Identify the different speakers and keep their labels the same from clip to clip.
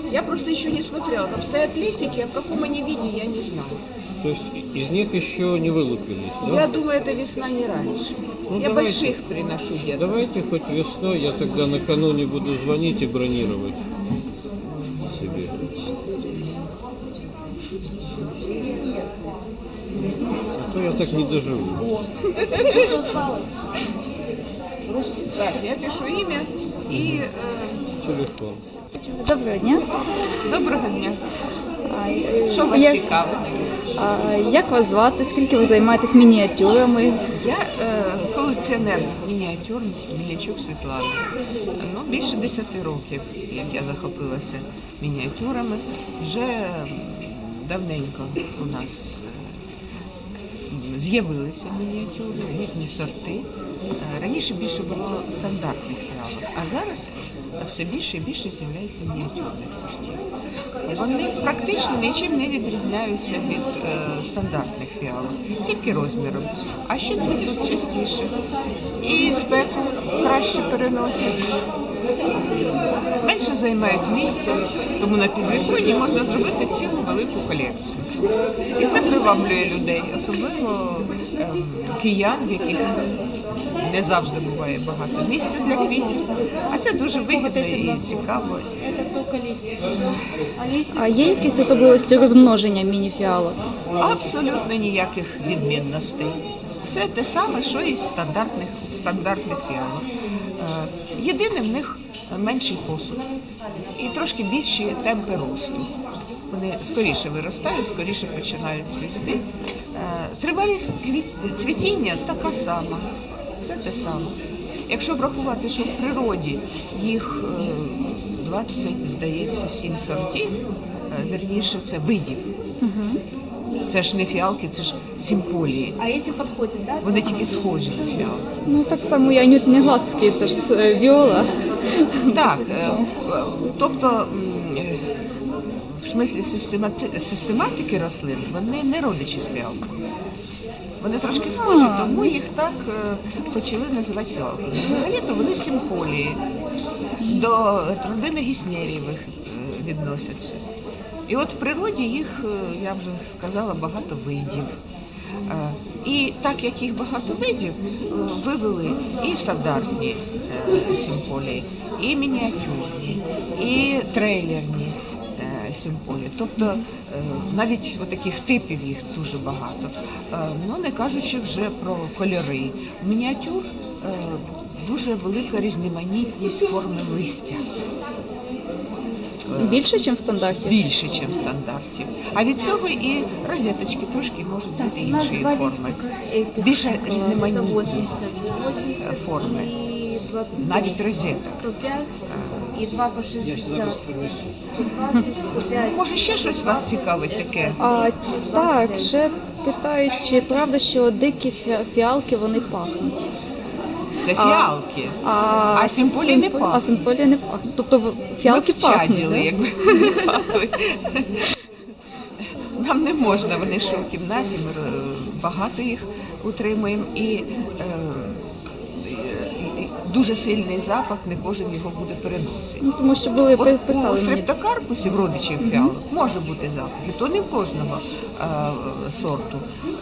Speaker 1: Я просто еще не смотрела. Там стоят листики, а в каком они виде, я не знаю.
Speaker 2: То есть из них еще не вылупились, да?
Speaker 1: Я думаю, это весна не раньше.
Speaker 2: Ну,
Speaker 1: Я
Speaker 2: давайте.
Speaker 1: больших приношу где-то.
Speaker 2: Давайте хоть весной, я тогда накануне буду звонить и бронировать себе. А то я так не доживу.
Speaker 1: Так, я пишу имя и...
Speaker 2: Телефон.
Speaker 3: Доброго дня.
Speaker 1: Доброго дня. Що
Speaker 3: А,
Speaker 1: вас
Speaker 3: як,
Speaker 1: цікавить?
Speaker 3: як вас звати? Скільки ви займаєтесь мініатюрами?
Speaker 1: Я колекціонер мініатюр Мельничук Світлана. Ну, більше 10 років, як я захопилася мініатюрами. Вже давненько у нас з'явилися мініатюри, різні сорти. Раніше більше було стандартних фіалок, а зараз все більше і більше з'являється мініатюрних сортів. Вони практично нічим не відрізняються від стандартних фіалок, тільки розміром. А ще цвітуть частіше і спеку краще переносять. Менше займають місця, тому на підвіконні можна зробити цілу велику колекцію. І це приваблює людей, особливо киян, в яких не завжди буває багато місця для квітів. А це дуже вигідно і цікаво.
Speaker 3: А є якісь особливості розмноження міні-фіалок?
Speaker 1: Абсолютно ніяких відмінностей. Все те саме, що і з стандартних фіалок. Єдине, в них менший посуд і трошки більші темпи росту. Вони скоріше виростають, скоріше починають цвісти. Тривалість цвітіння така сама, все те саме. Якщо врахувати, що в природі їх 20, здається, 7 сортів, вірніше, це видів. Це ж не фіалки, це ж симполії.
Speaker 4: А эти подходят, да?
Speaker 1: Вони тільки схожі на фіалки.
Speaker 3: Ну так само і анютині гладські, це ж віола.
Speaker 1: Так, тобто в смислі систематики рослин вони не родичі з фіалками. Вони трошки схожі, тому їх так почали називати фіалками. Взагалі-то вони симполії, до родини гіснєрієвих відносяться. І от в природі їх, я вже сказала, багато видів. І так як їх багато видів, вивели і стандартні симполії, і мініатюрні, і трейлерні симполії. Тобто навіть таких типів їх дуже багато. Ну, не кажучи вже про кольори. У мініатюр дуже велика різноманітність форми листя.
Speaker 3: Більше, ніж в стандарті?
Speaker 1: Більше, ніж в стандартів. А від цього і розеточки трошки можуть бути іншої форми. Більша різноманітність форми. Навіть розеток.
Speaker 4: 105 и 2 по 60. 120, 105.
Speaker 1: Може, ще щось вас цікавить таке?
Speaker 3: Так, ще питають, чи правда, що дикі фіалки, вони пахнуть?
Speaker 1: Це фіалки. А симполії не пахнуть.
Speaker 3: А симполії не пахнуть. Тобто фіалки
Speaker 1: Ми
Speaker 3: пахнуть,
Speaker 1: вчаділи,
Speaker 3: да?
Speaker 1: якби не пахли. Нам не можна, вони ще у кімнаті, ми багато їх утримуємо і дуже сильний запах, не кожен його буде переносити.
Speaker 3: Ну, тому що були
Speaker 1: От у
Speaker 3: писали мені.
Speaker 1: стрептокарпусів, родичів фіалок, може бути запах, і то не в кожного сорту.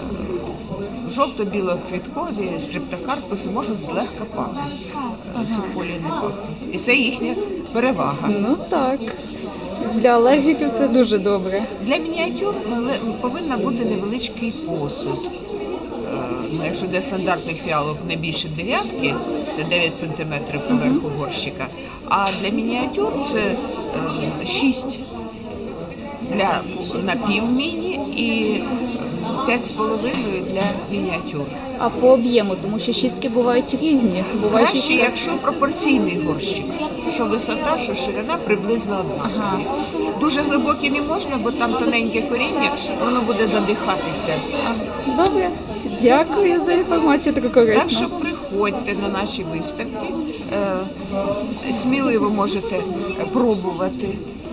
Speaker 1: Жовто-білоквіткові стрептокарпуси можуть злегка пахнути, симполії не пахнуть. І це їхня перевага.
Speaker 3: Ну так. Для алергіків це дуже добре.
Speaker 1: Для мініатюр повинна бути невеличкий посуд. Якщо для стандартних фіалок не більше дев'ятки, це 9 см поверху горщика, а для мініатюр це 6 для напівміні і 5,5 для мініатюр.
Speaker 3: А по об'єму, тому що шістки бувають різні. Бувають
Speaker 1: Краще, якщо пропорційний горщик, що висота, що ширина приблизно однакова. Дуже глибокі не можна, бо там тоненьке коріння, воно буде задихатися.
Speaker 3: Добре, дякую за інформацію, таку корисну.
Speaker 1: Так що приходьте на наші виставки, сміливо можете пробувати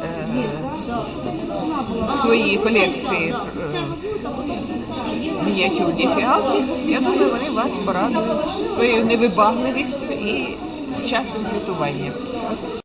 Speaker 1: свої колекції мініатюрні фіалки. Я думаю, вони вас порадують своєю невибагливістю і частим квітуванням.